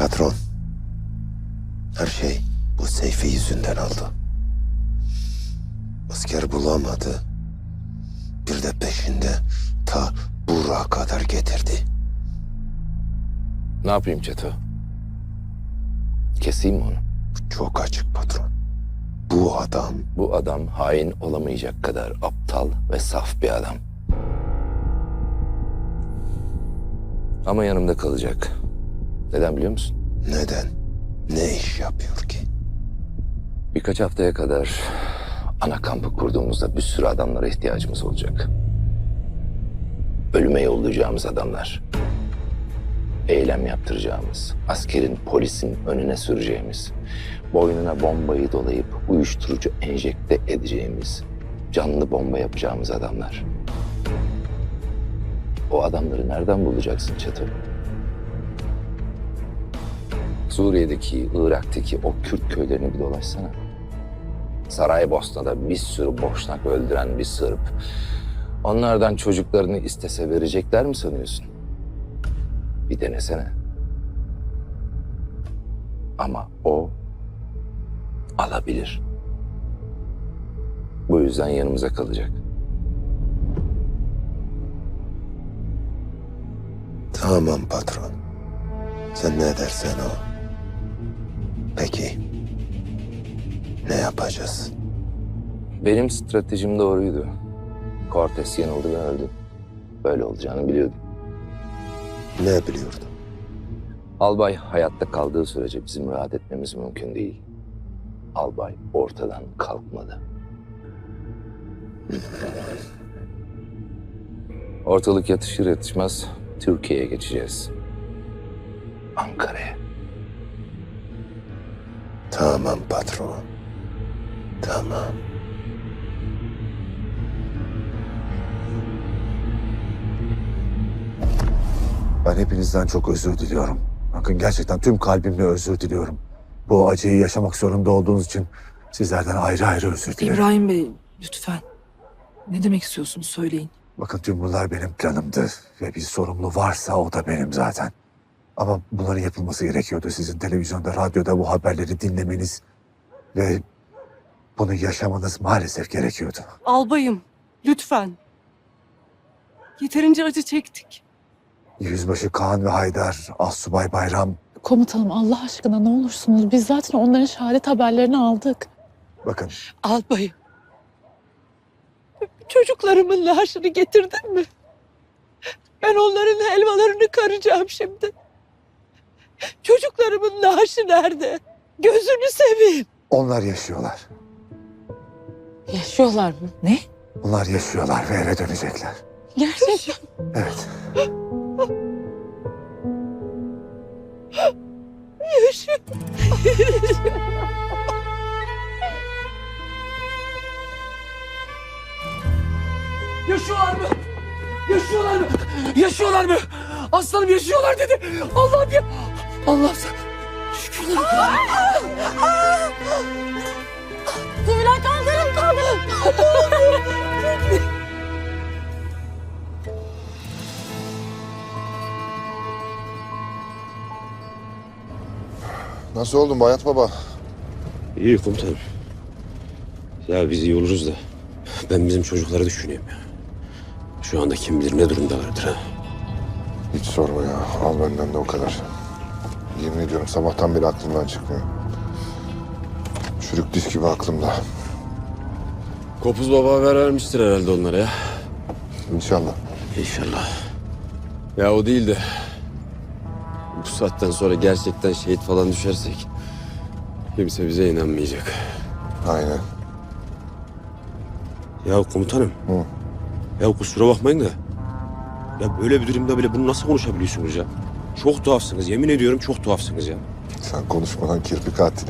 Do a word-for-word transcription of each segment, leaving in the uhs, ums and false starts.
Patron, her şey bu Seyfi yüzünden oldu. Asker bulamadı. Bir de peşinde ta Burak'a kadar getirdi. Ne yapayım Çeto? Keseyim mi onu? Çok açık patron. Bu adam Bu adam hain olamayacak kadar aptal ve saf bir adam. Ama yanımda kalacak. Neden biliyor musun? neden, ne iş yapıyor ki? Birkaç haftaya kadar ana kampı kurduğumuzda bir sürü adamlara ihtiyacımız olacak. Ölüme yollayacağımız adamlar. Eylem yaptıracağımız, askerin, polisin önüne süreceğimiz, boynuna bombayı dolayıp uyuşturucu enjekte edeceğimiz, canlı bomba yapacağımız adamlar. O adamları nereden bulacaksın Çeto? Suriye'deki, Irak'taki o Kürt köylerini bir dolaşsana. Saraybosna'da bir sürü boşnak öldüren bir Sırp. Onlardan çocuklarını istese verecekler mi sanıyorsun? Bir denesene. Ama o alabilir. Bu yüzden yanımıza kalacak. Tamam patron. Sen ne dersen o. Peki, ne yapacağız? Benim stratejim doğruydu. Cortes yanıldı ve öldü. Böyle olacağını biliyordum. Ne biliyordun? Albay hayatta kaldığı sürece bizim rahat etmemiz mümkün değil. Albay ortadan kalkmadı. Ortalık yatışır yatışmaz Türkiye'ye geçeceğiz. Ankara'ya. Tamam patron. Tamam. Ben hepinizden çok özür diliyorum. Bakın gerçekten tüm kalbimle özür diliyorum. Bu acıyı yaşamak zorunda olduğunuz için sizlerden ayrı ayrı özür dilerim. İbrahim Bey, lütfen. Ne demek istiyorsunuz söyleyin. Bakın tüm bunlar benim planımdı ve bir sorumlu varsa o da benim zaten. Ama bunların yapılması gerekiyordu. Sizin televizyonda, radyoda bu haberleri dinlemeniz ve bunu yaşamanız maalesef gerekiyordu. Albayım, lütfen. Yeterince acı çektik. Yüzbaşı Kaan ve Haydar, Assubay Bayram. Komutanım Allah aşkına ne olursunuz. Biz zaten onların şehadet haberlerini aldık. Bakın Albayım. Çocuklarımın naaşını getirdin mi? Ben onların helvalarını karacağım şimdi. Çocuklarımın naaşı nerede? Gözünü seveyim. onlar yaşıyorlar. Yaşıyorlar mı? Ne? Onlar yaşıyorlar ve eve dönecekler. Gerçekten. Evet. Yaşıyor. Yaşıyorlar mı? Yaşıyorlar mı? Yaşıyorlar mı? Aslanım yaşıyorlar dedi. Allah'ım ya. Allah'ım sen. Şükürler. Kubilay kaldırın kaldırın. Nasıl oldun Bayat Baba? İyi komutanım. Ya biz iyi oluruz da ben bizim çocukları düşünüyorum ya. Şu anda kim bilir ne durumdalardır ha. Hiç sorma ya. Al benden de o kadar. Yemin ediyorum sabahtan beri aklımdan çıkmıyor. Çürük disk gibi aklımda. Kopuz baba haber vermiştir herhalde onlara ya. İnşallah. İnşallah. Ya o değil de bu saatten sonra gerçekten şehit falan düşersek kimse bize inanmayacak. Aynen. Ya komutanım. Hı. Ya kusura bakmayın da ya böyle bir durumda bile bunu nasıl konuşabiliyorsunuz ya? Çok tuhafsınız. Yemin ediyorum çok tuhafsınız ya. Sen konuşmadan kirpi katili.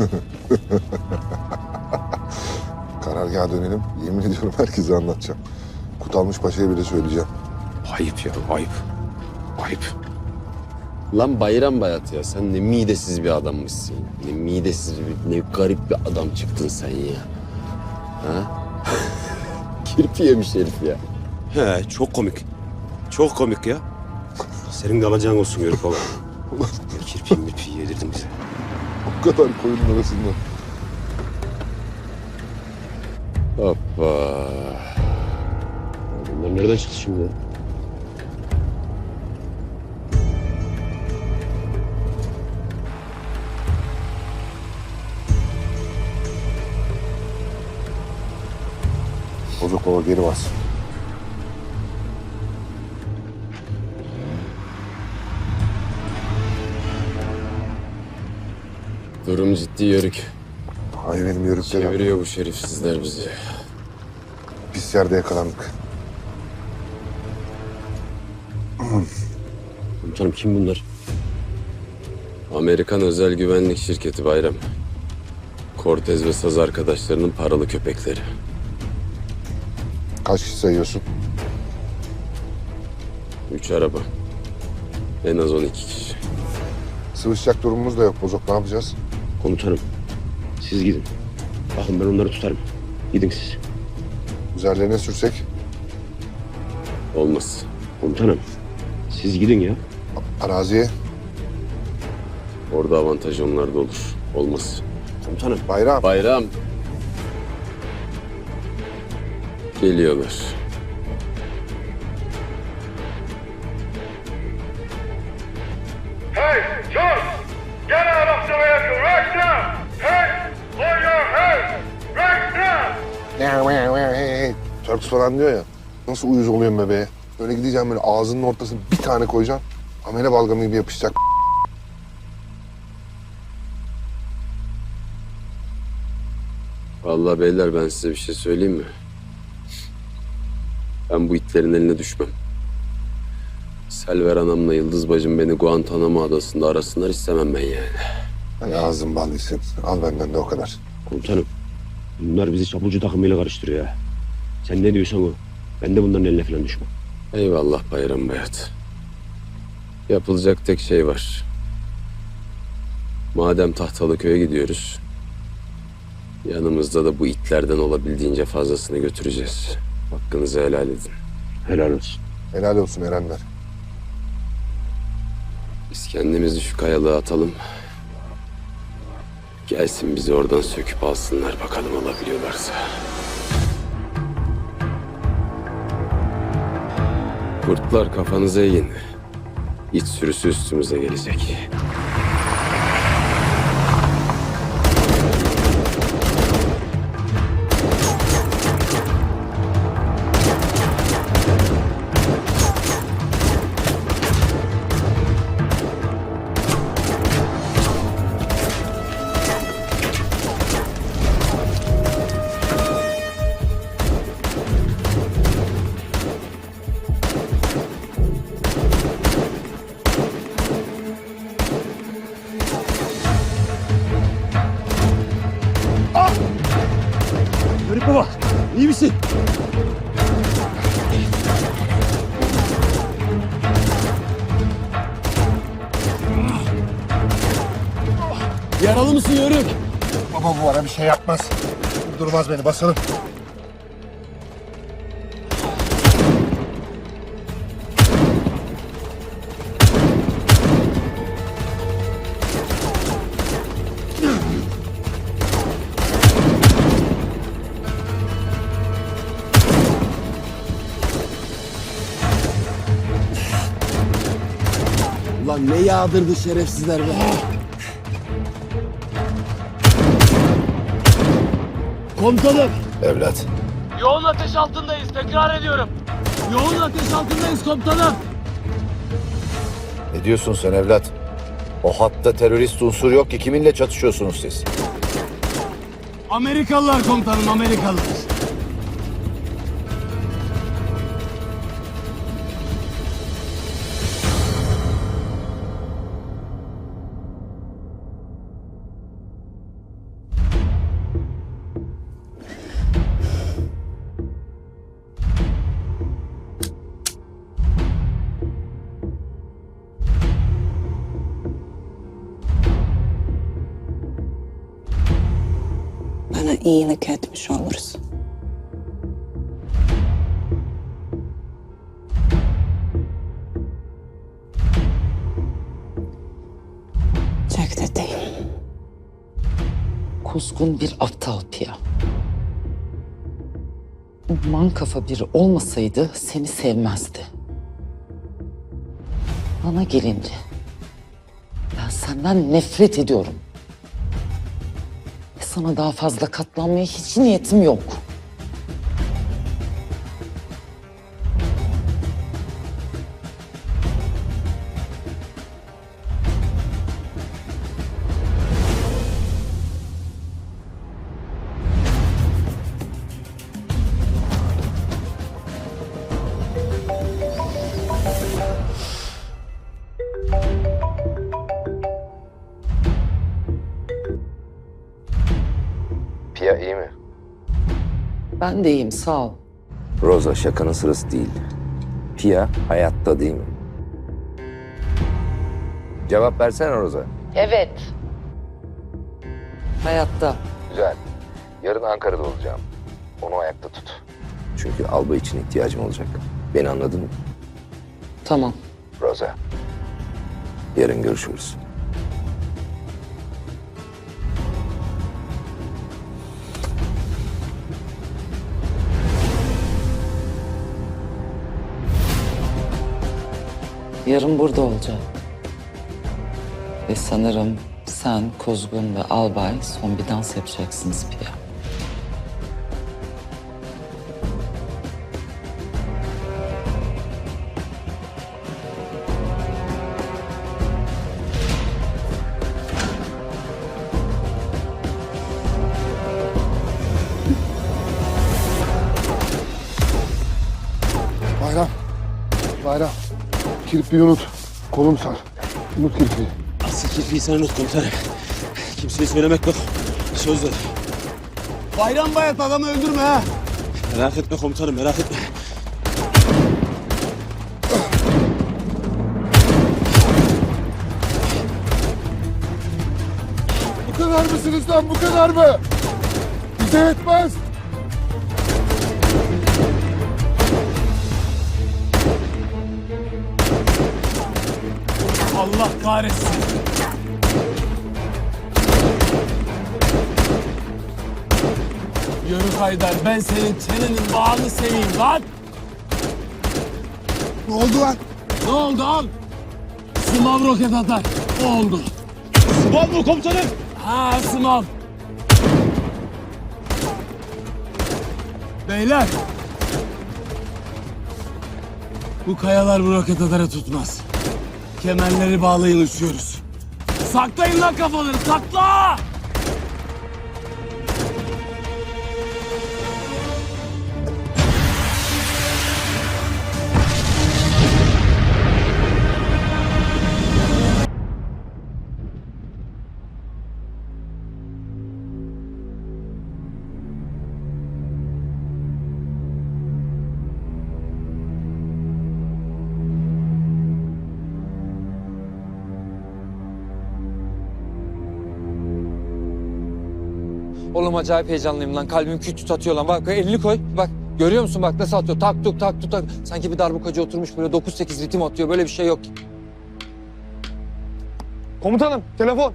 Karargaha dönelim. Yemin ediyorum herkese anlatacağım. Kutalmış Paşa'ya bile söyleyeceğim. Ayıp ya, ayıp. Ayıp. Lan Bayram Bayat ya, sen ne midesiz bir adammışsın. Ne midesiz bir, ne garip bir adam çıktın sen ya. Ha? Kirpi yemiş herif ya. He, çok komik. Çok komik ya. Senin de alacağın olsun Yörük baba. Kirpiği mirpiği yedirdim bize. O kadar koyunun arasında. Hoppa. Bunlar nereden çıktı şimdi ya? Bozok baba geri bas. Durum ciddi yörük. Hay benim yörüklerim. Çeviriyor bu şerifsizler bizi. Pis yerde yakalandık. Komutanım kim bunlar? Amerikan özel güvenlik şirketi Bayram. Cortez ve Saz arkadaşlarının paralı köpekleri. Kaç kişi sayıyorsun? Üç araba. En az on iki kişi. Sıvışacak durumumuz da yok Bozok. Ne yapacağız? Komutanım siz gidin. Bakın ben onları tutarım. Gidin siz. Üzerlerine sürsek? Olmaz. Komutanım siz gidin ya. Araziye. Orada avantaj onlarda olur. Olmaz. Komutanım. Bayram. Bayram. Geliyorlar. Hey, John! Get out of the vehicle right now! Hey, lower your head! Right now! Hey hey. Turks falan diyor ya. Nasıl uyuz oluyorum bebeğe? Böyle gideceğim böyle ağzının ortasına bir tane koyacağım. Amele balgamı gibi yapışacak. Vallahi beyler ben size bir şey söyleyeyim mi? Ben bu itlerin eline düşmem. Selver anamla Yıldız bacım beni Guantanamo adasında arasınlar istemem ben yani. Hani ağzın bal yesin. Al benden de o kadar. Komutanım bunlar bizi çapulcu takımıyla karıştırıyor ya. Sen ne diyorsan o. Ben de bunların eline falan düşmem. Eyvallah Bayram Bayat. Yapılacak tek şey var. Madem Tahtalıköy'e gidiyoruz, yanımızda da bu itlerden olabildiğince fazlasını götüreceğiz. Hakkınızı helal edin. Helal olsun. Helal olsun Erenler. Biz kendimizi şu kayalığa atalım. Gelsin bizi oradan söküp alsınlar bakalım alabiliyorlarsa. Kurtlar kafanıza eğin. İç sürüsü üstümüze gelecek. Yörük baba, iyi misin? Yaralı mısın Yörük? Baba bu ara bir şey yapmaz. Durmaz beni basalım. Ulan ne yağdırdı şerefsizler be. Komutanım. Evlat, Yoğun ateş altındayız. Tekrar ediyorum. Yoğun ateş altındayız komutanım. ne diyorsun sen evlat? O hatta terörist unsur yok ki kiminle çatışıyorsunuz siz? Amerikalılar komutanım, Amerikalılar. Bana iyilik etmiş olursun. kuzgun bir aptal Pia. Man kafa biri olmasaydı seni sevmezdi. Bana gelince ben senden nefret ediyorum. Ve sana daha fazla katlanmaya hiç niyetim yok. Pia iyi mi? Ben de iyiyim, sağ ol. Rosa, şakanın sırası değil. Pia hayatta değil mi? Cevap versene Rosa. Evet. Hayatta. Güzel. Yarın Ankara'da olacağım. Onu ayakta tut. Çünkü albay için ihtiyacım olacak. Beni anladın mı? Tamam. Rosa. Yarın görüşürüz. Yarın burada olacağım. Ve sanırım sen, Kuzgun ve Albay son bir dans yapacaksınız Pia. Bayram. Bayram. Kirpiyi unut. Kolum sar. Unut kirpiyi. Asıl kirpiyi sen unut komutanım. Kimseye söylemek yok. Söz ver. Bayram bayat adamı öldürme ha. Merak etme komutanım, merak etme. Bu kadar mısınız lan, bu kadar mı? Bize yetmez. Allah kahretsin. Yürü Haydar, ben senin çenenin bağını seveyim lan. Ne oldu lan? Ne oldu al? Sımav roket atar. O oldu. Sıvan mı komutanım? Ha sımav. Beyler. Bu kayalar bu roket atarı tutmaz. Kemerleri bağlayın, uçuyoruz. Saklayın lan kafaları, sakla! Oğlum acayip heyecanlıyım lan. Kalbim küt küt atıyor lan. Bak elini koy. Bak görüyor musun bak nasıl atıyor. Tak tuk tak tuk tak. Sanki bir darbukacı oturmuş böyle dokuz sekiz ritim atıyor. Böyle bir şey yok. Komutanım telefon.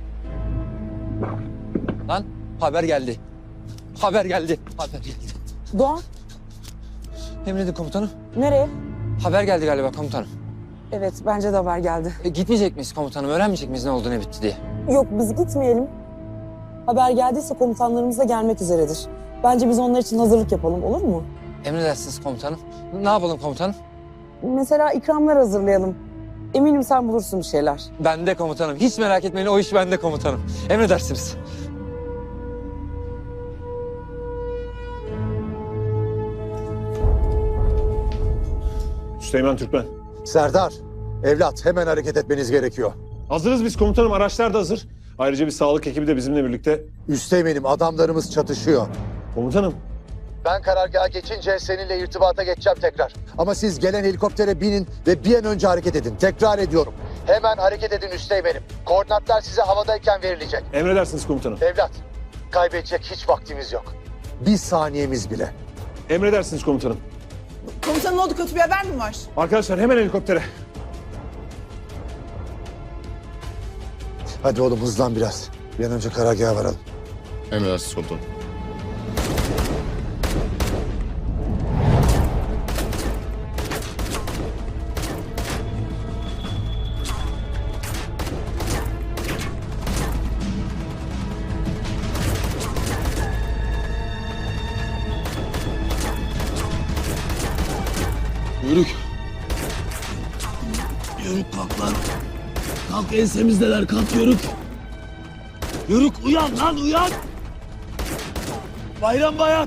Lan haber geldi. Haber geldi. Haber geldi. Doğan, Emredin komutanım. nereye? Haber geldi galiba komutanım. Evet, bence de haber geldi. E, gitmeyecek miyiz komutanım? Öğrenmeyecek miyiz ne oldu ne bitti diye? Yok, biz gitmeyelim. Haber geldiyse komutanlarımız da gelmek üzeredir. Bence biz onlar için hazırlık yapalım, olur mu? Emredersiniz komutanım. Ne yapalım komutanım? Mesela ikramlar hazırlayalım. Eminim sen bulursun bir şeyler. Bende komutanım. Hiç merak etmeyin o iş bende komutanım. Emredersiniz. Süleyman Türkmen. Serdar, evlat hemen hareket etmeniz gerekiyor. Hazırız biz komutanım. Araçlar da hazır. Ayrıca bir sağlık ekibi de bizimle birlikte. Üsteğmenim, adamlarımız çatışıyor. Komutanım. Ben karargaha geçince seninle irtibata geçeceğim tekrar. Ama siz gelen helikoptere binin ve bir an önce hareket edin. Tekrar ediyorum. Hemen hareket edin Üsteğmenim. Koordinatlar size havadayken verilecek. Emredersiniz komutanım. Evlat, kaybedecek hiç vaktimiz yok. Bir saniyemiz bile. Emredersiniz komutanım. Komutanım ne oldu? Kötü bir haber mi var? Arkadaşlar hemen helikoptere. Hadi oğlum hızlan biraz. Bir an önce karargaha varalım. Emredersiniz komutanım. Yörük. Yörük kalk lan. Kalk ensemizdeler kalk Yörük. Yörük uyan lan uyan. Bayram Bayat.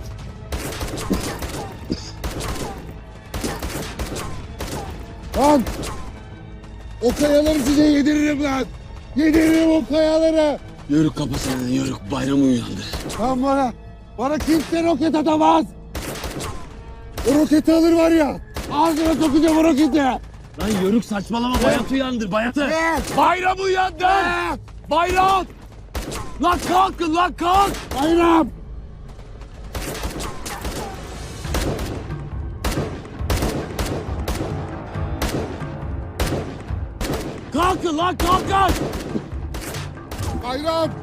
Lan! O kayaları size yediririm lan! Yediririm o kayaları! Yörük kapısını Yörük bayramı uyandır. Lan bana, bana kimse roket atamaz! O roketi alır var ya, ağzına sokacağım o roketi! Lan Yörük saçmalama Bayat uyandır Bayat'ı. Bayram uyandır. Bayram. Lan kalkın lan kalk. Bayram! Kalkın lan kalkın. Bayram!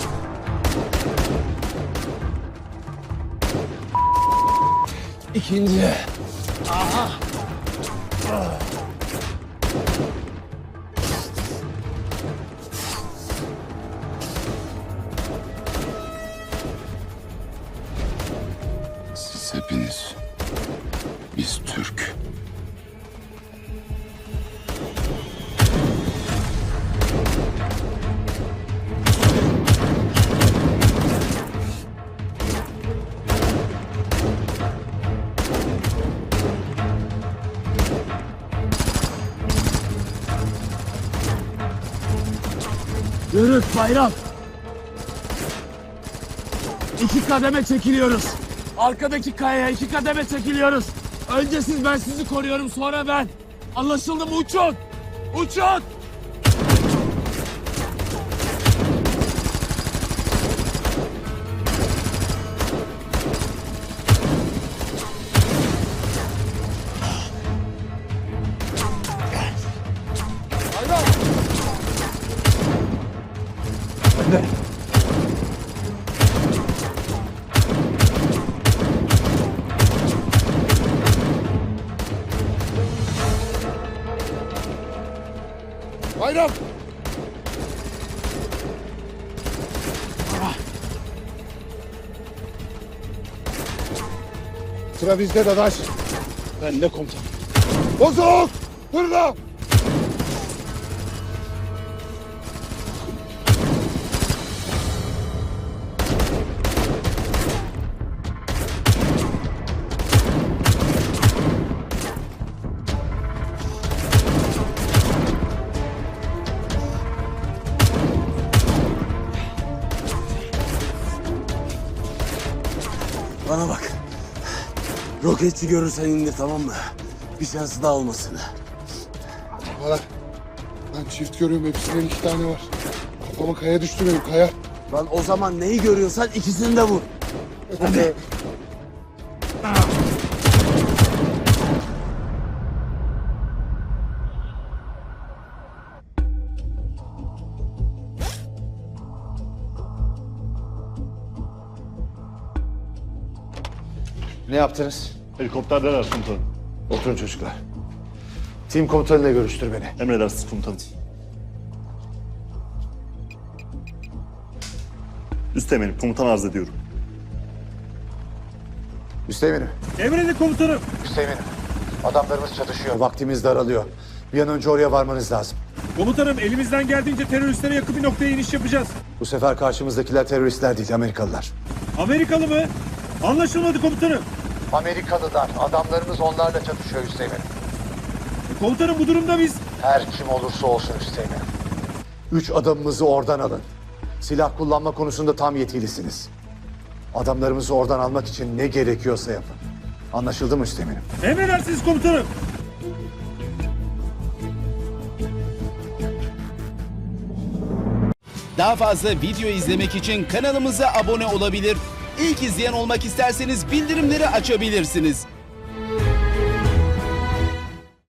İkinci. Aha. Siz hepiniz, biz Türk. Yörük Bayram. İki kademe çekiliyoruz. Arkadaki kayaya iki kademe çekiliyoruz. Önce siz, ben sizi koruyorum, sonra ben. Anlaşıldı mı? Uçun! Uçun! Bayram! Sıra bizde dadaş. Ben de komutanım. Bozuk! Fırla! Bana bak. Roketçi görürsen indir tamam mı? Bir şansı daha olmasın. Bana. Ben çift görüyorum, hepsinin iki tane var. Kafama kaya düştü benim, kaya. Lan o zaman neyi görüyorsan ikisini de vur. Hadi. Ne yaptınız? Helikopterdeler komutanım. Oturun çocuklar. Tim komutanıyla görüştür beni. Emredersiniz komutanım. Üsteğmenim, komutan arz ediyorum. Üsteğmenim. Emredin komutanım. Üsteğmenim. Adamlarımız çatışıyor. Vaktimiz daralıyor. Bir an önce oraya varmanız lazım. Komutanım, elimizden geldiğince teröristlere yakın bir noktaya iniş yapacağız. Bu sefer karşımızdakiler teröristler değil, Amerikalılar. Amerikalı mı? Anlaşılmadı komutanım. Amerikalılar. Adamlarımız onlarla çatışıyor Üsteğmenim. Komutanım, bu durumda biz... Her kim olursa olsun Üsteğmenim. Üç adamımızı oradan alın. Silah kullanma konusunda tam yetkilisiniz. Adamlarımızı oradan almak için ne gerekiyorsa yapın. Anlaşıldı mı Üsteğmenim? Emredersiniz komutanım. Daha fazla video izlemek için kanalımıza abone olabilir. İlk izleyen olmak isterseniz bildirimleri açabilirsiniz.